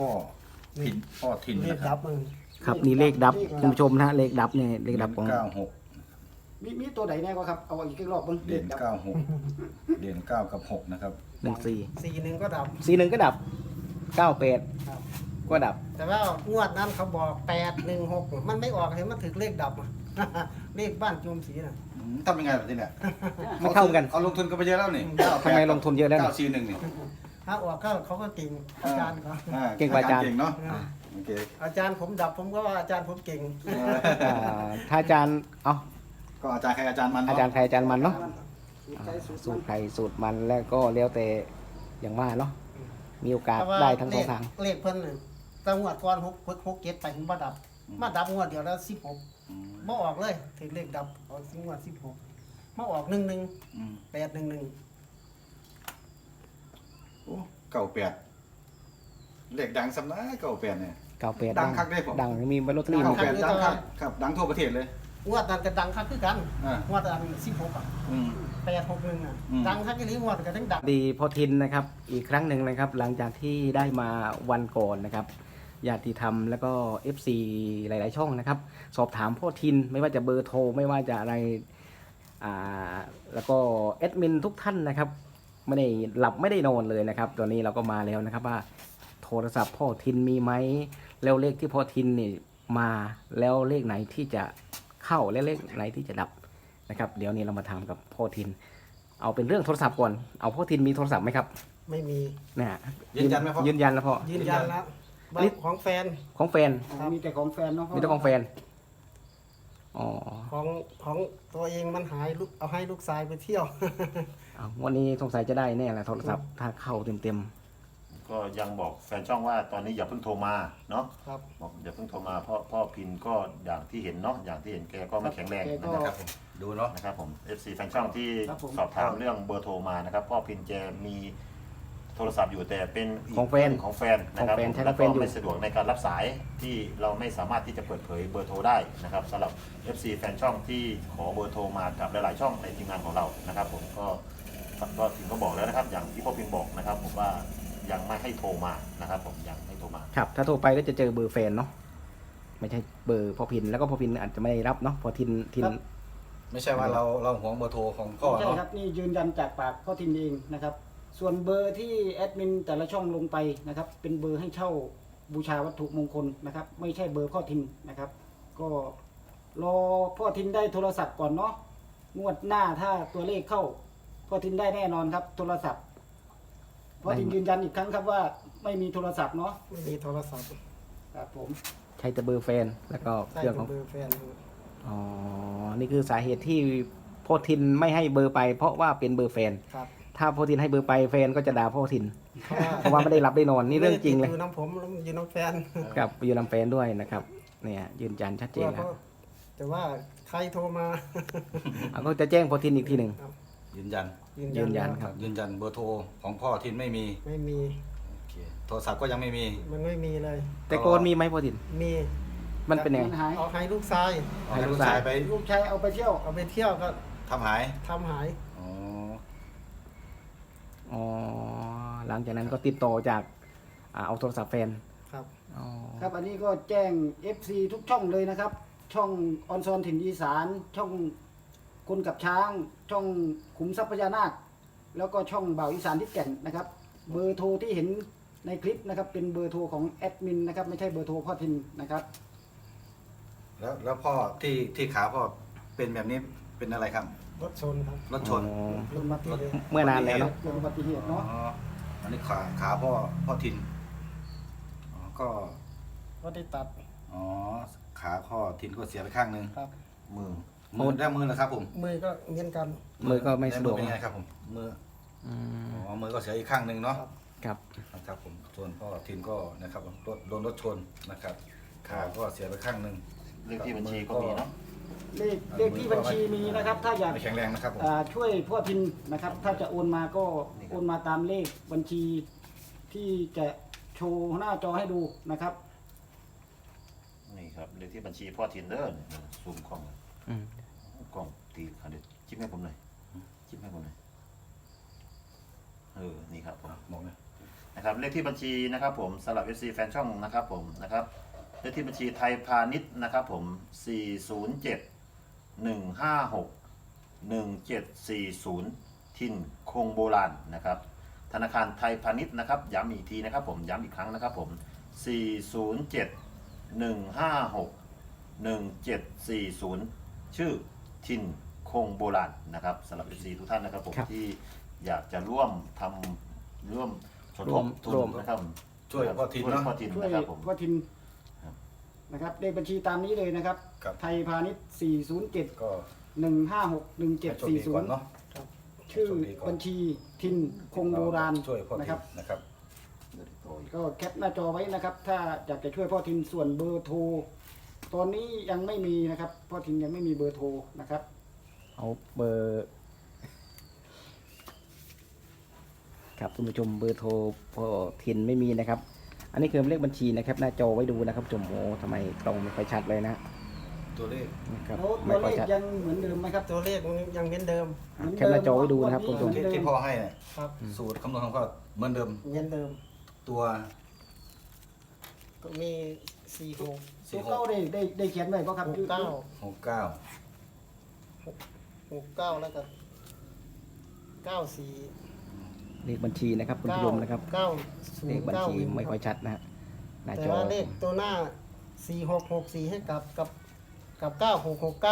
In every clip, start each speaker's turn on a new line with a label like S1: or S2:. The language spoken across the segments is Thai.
S1: พ่อทิน
S2: เลข
S1: นะครับ
S2: ดับมัน
S3: ครับนี่เลขดับคุณผู้ชมนะเลขดับเนี่ยเลขดับของ
S1: 96
S4: มีตัวไหนแน่ก็ครับเอาอีกรอบเบิ่ง
S1: เหรียญ96เหรียญ9กับ6นะครับ
S3: 14
S2: 41ก็ดับ
S3: 41ก็ดับ98
S2: ครับ
S3: ก็ดับ
S2: แต่ว่างวดนั้นเขาบอก816มันไม่ออกเห็นมันถึงเลขดับอะ เลขบ้านโจมศรีน่ะ
S1: ทำยังไงแบบนี้เนี่ย
S3: ไม่เข้ากัน
S1: เอาลงทุนกันไปเยอะแล้วนี่
S3: ทำไมลงทุนเยอะแล้ว
S1: 941นี่
S2: ถ้าออกก็เขาก็เก่งอาจารย์เขา
S3: เก่งกว่าอาจารย์
S1: เก่งเนาะโอเค
S2: อาจารย์ผมดับผมก็ว่าอาจารย์ผมเก่ง
S3: ถ้าอาจารย์เอา
S1: ก็อาจารย์ใครอาจารย์มัน
S3: อาจารย์ใครอาจารย์มันเนาะ
S4: สูตรใครสูตร
S3: สูตรใครสูตรมันแล้วก็แล้วแต่อย่างว่าเนาะมีโอกาส
S2: แต่ว่า
S3: ได้ทั้งสองทาง
S2: เลขเพิ่นน่ะแต่งวดก่อน6 7ไปผมบ่ดับ มาดับงวดเดียวแล้ว16บ่ออกเลยถึงเลขดับออกงวด16มาออก11 811
S1: โอ้98เลขดังสำนัก98เนี่ย
S3: 98
S1: ดังคักได้ผม
S3: ดังมีบรรลุตอรี่
S2: ดั
S3: มาง
S2: คัก
S1: ดังครับครับดังทั่วประเทศเลย
S2: งวดนั้นก็ดังคักคือกัน
S1: อ่าง
S2: วดอัน16อ่ะ
S1: อืม
S2: 861อ่ะ
S1: อืม
S2: ดังคักอีหลีงวดก็ทั้งดัง
S3: ดีพอทินนะครับอีกครั้งหนึ่งนะครับ หลังจากที่ได้มาวันก่อนนะครับญาติธรรมแล้วก็ FC หลาย ๆ ช่องนะครับ สอบถามพ่อทินไม่ว่าจะเบอร์โทรไม่ว่าจะอะไรแล้วก็แอดมินทุกท่านนะครับไม่ได้หลับไม่ได้นอนเลยนะครับตอนนี้เราก็มาแล้วนะครับว่าโทรศัพท์พ่อทินมีไหมแล้วเลขที่พ่อทินนี่มาแล้วเลขไหนที่จะเข้าและเลขไหนที่จะดับนะครับ เดี๋ยวนี้เรามาถามกับพ่อทิน เอาเป็นเรื่องโทรศัพท์ก่อนเอาพ่อทินมีโทรศัพท์ไหมครับ
S2: ไม่มี
S3: นะฮะ
S1: ยืนยันไหมพ่อ
S3: ยืนยันแล้วพ่อ
S2: ยืนยันแล้ว
S3: อันนี้
S2: ของแฟน
S3: ของแฟน
S4: มีแต่ของแฟนเนาะพ่
S3: มีแต่ของแฟนอ๋อ
S2: ของตัวเองมันหายลูกเอาให้ลูกชายไปเที่ยว
S3: เอาวันนี้สงสัยจะได้แน่แหละโทรศัพท์ถ้าเข้าเต็ม
S5: ก็ยังบอกแฟนช่องว่าตอนนี้อย่าเพิ่งโทรมาเนาะ
S2: ครับ
S5: บอกอย่าเพิ่งโทรมาเพราะพ่อพินก็อย่างที่เห็นเนาะอย่างที่เห็นแกก็ไม่แข็งแรงนะครับ
S1: ผมดูเนาะ
S5: นะครับผม FC แฟนช่องที่สอบถามเรื่องเบอร์โทรมานะครับพ่อพินแกมีโทรศัพท์อยู่แต่เป็นอีก
S3: ของแฟน
S5: ของแฟนนะครับ
S3: ของแฟนใช้
S5: แล้ว
S3: ของแฟ
S5: ก็
S3: นอยู่
S5: ไม่สะดวกในการรับสายที่เราไม่สามารถที่จะเปิดเผยเบอร์โทรได้นะครับสำหรับ FC แฟนช่องที่ขอเบอร์โทรมากับหลายๆช่องในทีมงานของเรานะครับผมก็พินก็บอกแล้วนะครับ อย่างที่พ่อพินบอกนะครับผมว่ายังไม่ให้โทรมานะครับผมยังให้โทรมา
S3: ๆครับ ถ้าโทรไปก็จะเจอเบอร์แฟนเนาะไม่ใช่เบอร์พ่อพินแล้วก็พ่อพินอาจจะไม่รับเนาะพอทิน
S1: ไม่ใช่ว่าเราหวงเบอร์โทรของพ่อ
S4: ใช่
S1: เนาะ
S4: ครับนี่ยืนยันจากปากพ่อทินเองนะครับ ส่วนเบอร์ที่แอดมินแต่ละช่องลงไปนะครับ เป็นเบอร์ให้เช่าบูชาวัตถุมงคลนะครับ ไม่ใช่เบอร์พ่อทินนะครับ ก็รอพ่อทินได้โทรศัพท์ก่อนเนาะงวดหน้าถ้าตัวเลขเข้าพ่อทินได้แน่นอนครับ โทรศัพท์พ่อทินยืนยันอีกครั้งครับว่าไม่มีโทรศัพท์เนาะ
S2: ไม่มีโทรศัพท์
S4: ครับผม
S3: ใช้แต่เบอร์แฟนแล้วก็เค
S2: ได้
S3: รื่อง
S2: เป็
S3: ของ
S2: นเบอร์แฟน
S3: อ๋อนี่คือสาเหตุที่พ่อทินไม่ให้เบอร์ไป เพราะว่าเป็นเบอร์แฟน
S2: ครับ
S3: ถ้าพ่อทินให้เบอร์ไปแฟนก็จะด่าพ่อทิน เพราะว่าไม่ได้รับได้นอนนี่เรื่องจริงเลย
S2: อยู่น้ำผมแล้วอยู่น้ำแฟน
S3: กับอยู่ลำแฟนด้วยนะครับเนี่ยยืนยันชัดเจนครับ
S2: แต่ว่าใครโทรมา
S3: เอาก็จะแจ้งพ่อทินอีกทีหนึ่ง
S1: ยืนยัน
S3: ยืนยันครับ
S1: ยืนยันเบอร์โทรของพ่อทินไม่มี
S2: ไม่มี
S1: โอเคโทรศัพท์ก็ยังไม่มี
S2: มันไม่มีเลย
S3: แต่โกนมีไหมพ่อทิน
S2: มี
S3: มันเป็นยังไง
S4: มันหาย
S2: เอาให้ลูกชาย
S1: ให้ลูกชายไป
S4: ลูกชายเอาไปเที่ยว
S2: เอาไปเที่ยวก็
S1: ทำหาย
S2: ทำหาย
S1: อ๋อ
S3: อ๋อหลังจากนั้นก็ติดต่อจากเอาโทรศัพท์แฟน
S2: ครับ
S3: อ๋อ
S4: ครับอันนี้ก็แจ้ง FC ทุกช่องเลยนะครับ ช่องออนซอนถิ่นอีสานช่องคนกับช้าง ช่องขุมทรัพย์พญานาค แล้วก็ช่องบ่าวอีสานที่แก่นนะครับ เบอร์โทรที่เห็นในคลิปนะครับ เป็นเบอร์โทรของแอดมินนะครับ ไม่ใช่เบอร์โทรพ่อทินนะครับ
S1: แล้วพ่อที่ขาพ่อเป็นแบบนี้เป็นอะไรครับ
S2: รถชนครับ
S1: รถชน
S3: อ๋อ
S4: ลงมาที่เลย
S3: เมื่อนานแล้วเนอะ
S4: เกิดอุบัติเหตุ
S1: อ๋อ
S4: เนาะ
S1: อันนี้ขาพ่อทินอ๋อก็
S2: ก็ได้ตัด
S1: อ๋อขาพ่อทินก็เสียไปข้างหนึง
S2: ครับ
S5: มือ
S1: มือได้มือแล้วครับผม
S2: มือก็เหมือนกัน
S3: มือก็ไม่สะดวก
S1: เป็นไงครับผมมือ
S3: อืม
S1: อ๋อมือก็เสียอีกข้างหนึ่งเนาะ
S3: ครับ
S1: นะครับผมส่วนพ่อทินก็นะครับโดนรถชนนะครับขาก็เสียไปข้างหนึ่ง
S5: เลขที่บัญชีก็มีเนาะ
S4: เลขที่บัญชีมีนะครับ ถ้าอยาก
S1: ไม่แข็งแรงนะครับผม
S4: ช่วยพ่อทินนะครับ ถ้าจะโอนมาก็โอนมาตามเลขบัญชีที่จะโชว์หน้าจอให้ดูนะครับ
S5: นี่ครับเลขที่บัญชีพ่อทินเดอร์ซูมกล้อง
S3: อืม
S5: กล้องตีคันเด็ดจิ้มให้ผมหน่อยจิ้มให้ผมหน่อยนี่ครับผม
S1: บอกเลย
S5: นะครับเลขที่บัญชีนะครับผมสำหรับ FC แฟนช่องนะครับผมนะครับเลขที่บัญชีไทยพาณิชย์นะครับผม407-156-1740ทินคงโบราณนะครับธนาคารไทยพาณิชย์นะครับย้ำอีกทีนะครับผมย้ำอีกครั้งนะครับผม407-156-1740ชื่อทินคงโบราณนะครับสำหรับ FC ทุกท่านนะครับผม
S3: ครับ
S5: ที่อยากจะร่วมทำร่วมสมทบทุ
S3: ร่วม
S5: นนะครับ
S1: ช่วยพ่อทิน
S5: ช่วย
S1: เนาะ
S5: พ่อทิน
S4: ช่วย
S5: นะครับผม
S4: พ่อทิน
S5: ครับ
S4: นะครับเลขบัญชีตามนี้เลยนะครับ
S1: ครับ
S4: ไทยพาณิชย์407
S1: ก็
S4: 156
S1: ให้โชคดีก่อนเนาะ
S4: 1740ชื่อบัญชีทินคงโบราณ
S1: ช่วยพ่อทิ
S4: นะครับ
S1: นนะครับ
S4: ก็แคปหน้าจอไว้นะครับ ถ้าอยากจะช่วยพ่อทินส่วนเบอร์โทรตอนนี้ยังไม่มีนะครับพ่อทินยังไม่มีเบอร์โทรนะครับ
S3: เอาเบอร์ครับคุณผู้ชมเบอร์โทรพอทินไม่มีนะครับ อันนี้คือเลขบัญชีนะครับ หน้าจอไว้ดูนะครับจมโอ้ทำไมกล้องไม่ค่อยชัดเลยนะ
S1: ตัวเลข
S3: นะครับ
S4: แล้ว
S3: ไม่
S4: ตัว
S3: ค่
S4: เล
S3: อย
S4: ข
S3: ชัด
S4: ยังเหมือนเดิมไหมครับ
S2: ตัวเลขมันยังเหมือนเดิม
S3: แคปหน้าจอไว้ดูนะครับคุณผู้ชม
S1: ที่พ่อให้เนี่ย
S2: ครับ
S1: สูตรคำนวณของพ่อเหมือนเดิม
S2: เหมือนเดิม
S1: ตัว
S2: ก็มี4 6
S4: ตัวเก้าได้เขียนไว้ก็ครับ
S2: 6 9
S1: 69
S2: 6 9แล้วก็9 4
S3: เลขบัญชีนะครับคุณผู้ชมนะครับ
S2: 9
S3: เลข
S2: 0
S3: บัญชี
S2: 9
S3: ไม่ค่อยชัดนะฮะหน้า
S2: แต่
S3: จอ
S2: ว่าเลขตัวหน้า4664ให้กับ9669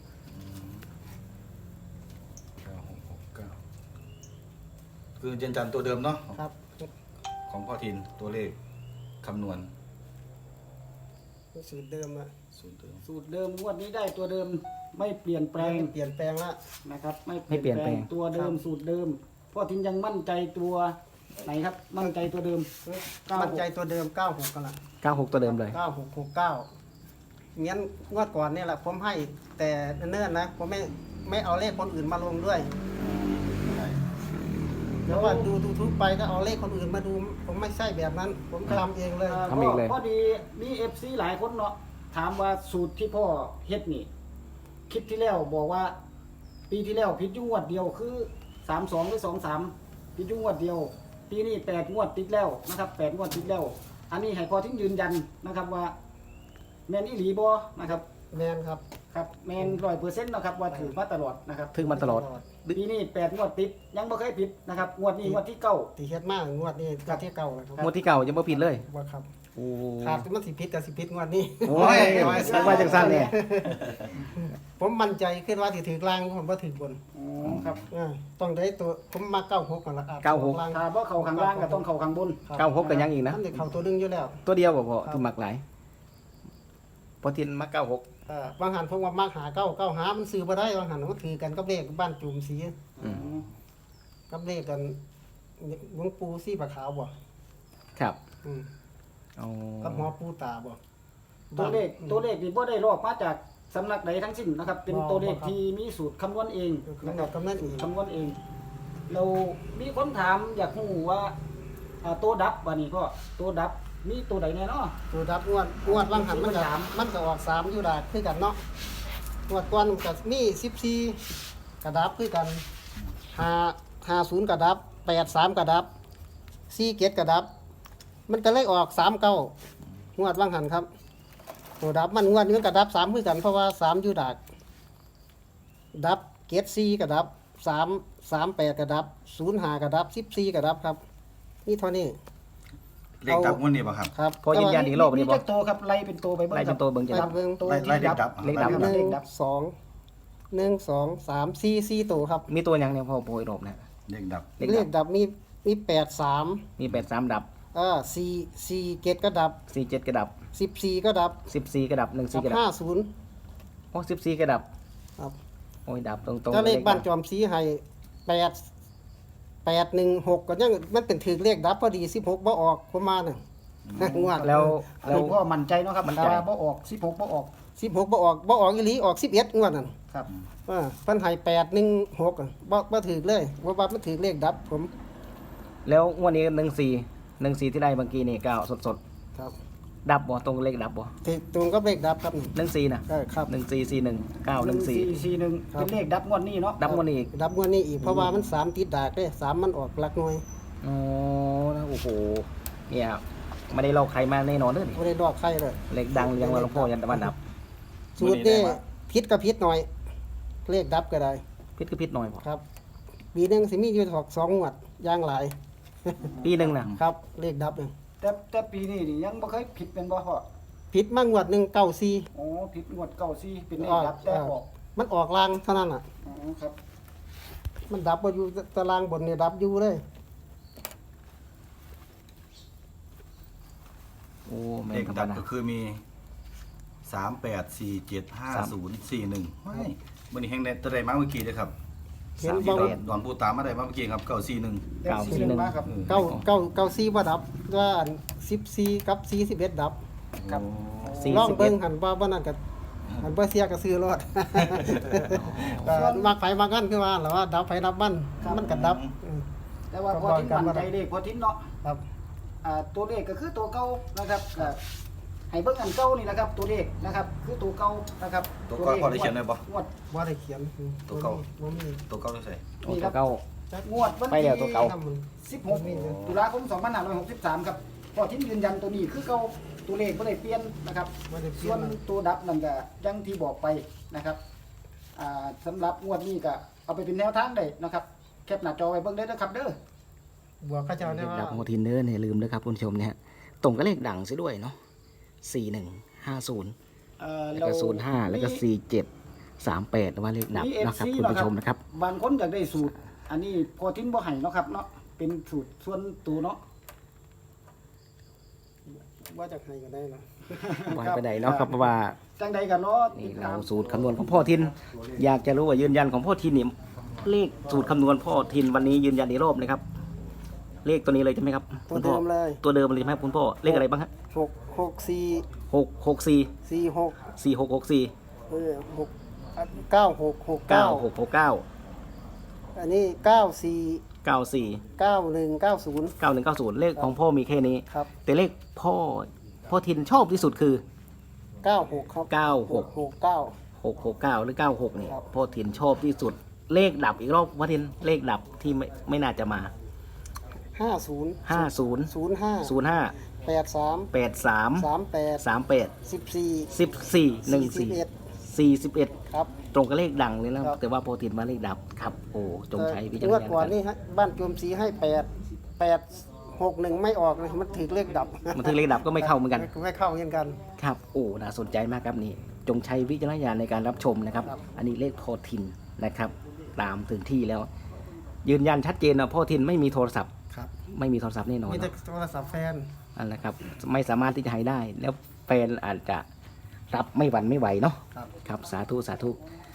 S1: 9669คือเจนจันตัวเดิมเนาะ
S2: ครับ
S1: ของพ่อทินตัวเลขคำนวณ
S2: สูตรเดิมอะ
S1: สูตรเดิม
S4: สูตรเดิมงวดนี้ได้ตัวเดิมไม่เปลี่ยนแปลง
S2: เปลี่ยนแปลงละ
S4: นะครับ
S3: ไม่เปลี่ยนแปลง
S4: ตัวเดิมสูตรเดิมพ่อทินยังมั่นใจตัวไหนครับ มั่นใจตัวเดิม
S2: มั่นใจตัวเดิม96กันละ
S3: 96 ตัวเดิมเลย
S2: 9669งั้นงวดก่อนเนี่ยแหละผมให้แต่เนิ่นๆนะผมไม่เอาเลขคนอื่นมาลงด้วยเดี๋ยวว่าดูทุกไปก็เอาเลขคนอื่นมาดู ผมไม่ใช่แบบนั้น ผมทำเองเลย
S3: ทำอีกเลย
S4: พอดีมีFC หลายคนเนาะถามว่าสูตรที่พ่อเฮ็ดนี่คลิปที่แล้วบอกว่า ปีที่แล้วผิดอยู่งวดเดียวคือ32หรือ23ผิดอยู่งวดเดียว ปีนี้8งวดติดแล้วนะครับ8งวดติดแล้ว อันนี้ให้พอทิ้งยืนยันนะครับว่าแมนอีหลีบ่นะครับ
S2: แมนครับ
S4: ครับแมน100%นะครับว่าถือมาตลอดนะครับ
S3: ถึงมาตลอด
S4: ปีนี้8งวดติดยังบ่เคยผิดนะครับงวดนี้งวดที่9
S2: ตีเฮ็ดมากงวดนี้ก็ที่เก่าแล้วครับ
S3: งวดที่เก่ายังไม่ผิดเลย
S2: ว่าครับ
S3: โอ้
S2: ขาดมันสิพิษกับสิพิษงวดนี้
S3: โอ้ยสักว่าจังสั้นเนี่ย
S2: ผมมั่นใจขึ้นว่าสิถือกลางผมว่าถือบน
S4: อ๋อครับ
S2: ต้องได้ตัวผมมา96ก่อนละครับ
S3: 96
S2: ล่าง
S4: ถ้าบ่เข้าข้างล่างก็ต้องเข้าข้างบน
S2: ครับ
S3: 96กันยังอีกนะ
S2: มันจะเข้าตัวหนึงอยู่แล้ว
S3: ตัวเดียวบ่พอ
S2: ครับ
S3: ที่มักหลายพอทินมัก96
S2: บางหันผมว่ามักหา9หามันซื้อบ่ได้บางหันมันถือกันกับเลขบ้านจุ่มสี
S3: อืม
S2: กับเลขกันหลวงปู่สีปะขาวบ่
S3: ครับ
S2: อืม
S3: เอา
S2: กับหอปู่ตาบ่
S4: ตัวเลขนี่บ่ได้ลอกมาจากสำนักใดทั้งสิ้นนะครับ เป็นตัวเลขที่มีสูตรคำนวณเอง
S2: คือ
S4: นะค
S2: กั
S4: รั
S2: บบ กำนันอีก
S4: คำนวณเอง เรามีคนถามอยากรู้ว่าตัวดับว่านี่พ่อตัวดับมีตัวใดแน่เนาะ
S2: ตัวดับงวดบางหันมันก็
S4: สาม
S2: มันก็ออก3อยู่ดากคือกันเนาะงวดก่อนก็มี14กระดับคือกัน50กระดับ83กระดับ47กระดับ มันก็เลยออก39งวดบางหันครับตัวดับมันงวดนี้มันกระดับ3คือกันเพราะว่า3อยู่ดากดับเกต4กระดับ38กระดับ05กระดับ14กระดับครับนี่เท่านี้
S1: เลขดับงวดนี้ป่ะครับ
S2: ครับ
S3: พอยืนยันอีกรอบ
S4: มี
S3: นี้บ่
S4: จักตัวครับไล่เป็นตัวไปเบิ่ง
S3: ไล่
S4: ค
S3: เป็
S4: รับ
S3: นตัวเบิ่งจะ
S2: ดับเบิ่ง
S4: ตัว
S1: ไล่เลขดับ
S3: เลขดับ
S2: หนึ่ง
S4: เลขดับ
S2: สอง1 2 3 4ตัวครับ
S3: มีตัวยังเนี่ยพอโปรยรอบนะ
S1: เลขดับ
S3: เลข
S2: เล
S3: ดั
S2: ข
S3: บ
S2: ดับมี83
S3: มี83ดับ
S2: 4เกตก็ดับ
S3: 47กระดับ
S2: 14ก็ดับ
S3: 14กระดับ14กระดับ
S2: 50
S3: โอ้14กระดับ
S2: ครับ
S3: โอ้ยดับตรงๆ
S2: ถ้าเลขบ้านจ
S3: ดั
S2: อมสีให้816ก็ยังมันเป็นถือเลขดับพอดี16บ่ออกผมมาน่ะงวด
S3: แล้ว
S4: อันนี้พ่อมั่นใจเนาะครับ
S3: มั่นใจ
S4: แต่ว่าบ่ออก16บ่ออก
S2: 16บ่ออกอีหลีออก11งวดนั่น
S4: ครับ
S2: เพิ่นให้816อะบ่ถือเลยว่ามันถือเลขดับผม
S3: แล้วงวดนี้14ที่ได้เมื่อกี้นี่9สด
S2: ครับ
S3: ๆดับบ่ตรงเลขดับบ่
S2: ถือตรงกับเลขดับครับนี่
S3: 14น่ะ
S2: ครับ
S3: 1441 914
S4: 441เป็นเลขดับงวดนี้เนาะ
S3: ดับงวดนี้อีก
S2: ดับงวดนี้อีกเพราะว่ามัน3ติดดากเด้3มันออกหลักหน่วย
S3: อ๋อนะโอ้โหเนี่ยไม่ได้ลอกใครมาแน่นอนเลยนี่
S2: ไม่ได้ดอกไข่เลย
S3: เลขดังเรียงว่าหลวงพ่อยันตะวันดับ
S2: สูตรนี้พิษกับพิษหน่อย เลขดับก็ได้
S3: พิษก็พิษหน่อยพอ
S2: ครับปีหนึงสิมีอยู่ถอก2งวดอย่างหลาย
S3: ปีหนึ่งนะครับ
S2: เลขดับเนี่ย
S4: แต่ปีนี้นี่ยังบ่เคยผิดเป็นบ่พ่อ
S2: พิษมางวดหนึ่ง94
S4: อ๋อผิดงวดเก่าซี่เป็นเลขดับแต่ออก
S2: มันออกลางเท่านั้นอ่ะ
S4: อ๋อครับ
S2: มันดับบ่อยู่ตารางบนเนี่ยดับอยู่เลย
S3: โอ้แม่
S1: เล
S3: น
S1: ข
S3: ธรรม
S1: ดับ
S3: ดา
S1: ก็คือมี 38475041ไม่วันนี้แห่งในตะไดมาเมื่อกี้เลยครับ
S2: เห็น
S1: ที่
S2: บ่
S1: ดอนปูตามมาได้มาเมื่อกี้ครับ941
S4: มาครับ
S2: 94บ่ดับว่า14กับ41ดับ
S4: ครับ
S3: สี่
S2: ลอง
S3: สิบเอ็
S2: เบิ่
S3: ด
S2: งหันว่าบ่นั่นก็หันบ่เสียก็ซื้อรถ มักไผมักกันคือว่าแล้วว่าดับไผดับมันมันก็ดับ
S4: แต่ว่าพอทิ้นมั่นใจเลขพอทิ้นเนาะ
S2: ครับ
S4: ตัวเลขก็คือตัวเก่านะครับก็ให้เบิ่งอันเก่านี่นะครับ ตัวเลขนะครับ คือตัวเก่านะครับ
S1: ตัวเก่าพอได้เขียนได้บ่
S4: งวด
S2: บ่ได้เขียน
S1: ตัวเก่า
S2: บ่มี
S1: ตัวเก้าด้วยใส่
S3: โอ้ตัวเก้า
S4: งวดวัน
S3: ไปแล้วตัวเก่า
S4: ที่16ตุลาคม2563ครับพอทิ้นยืนยันตัวนี้คือเก่าตัวเลขบ่ได้เปลี่ยนนะครับ
S2: บ่ได้เขี
S4: ส่
S2: ย
S4: วน นตัวดับนั่นก็อยังที่บอกไปนะครับสำหรับงวดนี้ก็เอาไปเป็นแนวทางได้นะครับแคปหน้าจอไว้เบิ่งได้นะครับเด้อ
S2: บวกเขาเจ้า
S3: เล
S2: ได้
S3: ข
S2: ว่า
S3: ดับโมทินเดอร์เนี่ยลืมด้วยครับคุณผู้ชมเนี่ยตรงกับเลขดังซะด้วยเนาะ4150แล้วก็05แล้วก็4738ว่าเลขดับนะครับคุณผู้ชมนะครับ
S4: บางคนอยากได้สูตร อันนี้พอทิ้นบ่ให้เนาะครับเนาะเป็นสูตรส่วนตัวเนาะ
S2: ว่าจะให้ก็ได้นะ
S3: วางไปไหนเนาะครับเพราะว่า
S4: จังใดกันเนาะ
S3: นี่เราสูตรคำนวณของพ่อทิน อยากจะรู้ว่ายืนยันของพ่อทินนี่เลขสูตรคำนวณพ่อทินวันนี้ยืนยันอีกรอบนะครับ เลขตัวนี้เลยใช่ไหมครับ
S2: ตัว
S3: คุณพ่
S2: เดิ
S3: อ
S2: มเลย
S3: ตัวเดิมเลยใช่ไหมครับคุณพ่อเลขอะไรบ้างฮะ
S2: 664
S3: 664
S2: 46
S3: 4664
S2: 6 9669
S3: 9669
S2: อันนี้94
S3: 94
S2: 9190
S3: 9190เลขของพ่อมีแค่นี้
S2: ครับ
S3: แต่เลขพ่อทินชอบที่สุดคือ
S2: 96ครับ
S3: 96
S2: 669
S3: 669 หรือ 96นี่
S2: ครับ
S3: พ่อทินชอบที่สุด เลขดับอีกรอบพ่อทินเลขดับที่ไม่น่าจะมา
S2: 50
S3: 50
S2: 05
S3: 05
S2: 83
S3: 83
S2: 38
S3: 38
S2: 14
S3: 14 14 41
S2: ครับ
S3: ตรงกับเลขดังเลยนะครับ แต่ว่าโปรตีนมาเลขดับครับ โอ้จงใช้วิจารณ
S2: งวด
S3: ญาณ
S2: ก่อน
S3: กัน
S2: นี่ฮะบ้านโจมสีให้861ไม่ออกเลยมันถือเลขดับ
S3: มันถึงเลขดับก็ไม่เข้าเหมือนกัน
S2: ไม่เข้าเหมือนกัน
S3: ครับ โอ้น่าสนใจมากครับนี่ จงใช้วิจารณญาณในการรับชมนะครับ
S2: ครับ
S3: อันนี้เลขโพทินนะครับ ตามถึงที่แล้ว ยืนยันชัดเจนนะโพทินไม่มีโทรศัพท์
S2: ครับ
S3: ไม่มีโทรศัพท์แน่นอน
S2: มีแต่
S3: เนาะ
S2: โทรศัพท์แฟน
S3: อันนะครับ ไม่สามารถที่จะให้ได้ แล้วแฟนอาจจะรับไม่หวั่นไม่ไหวเนาะ
S2: ครับ
S3: ครับ สาธุ สาธุ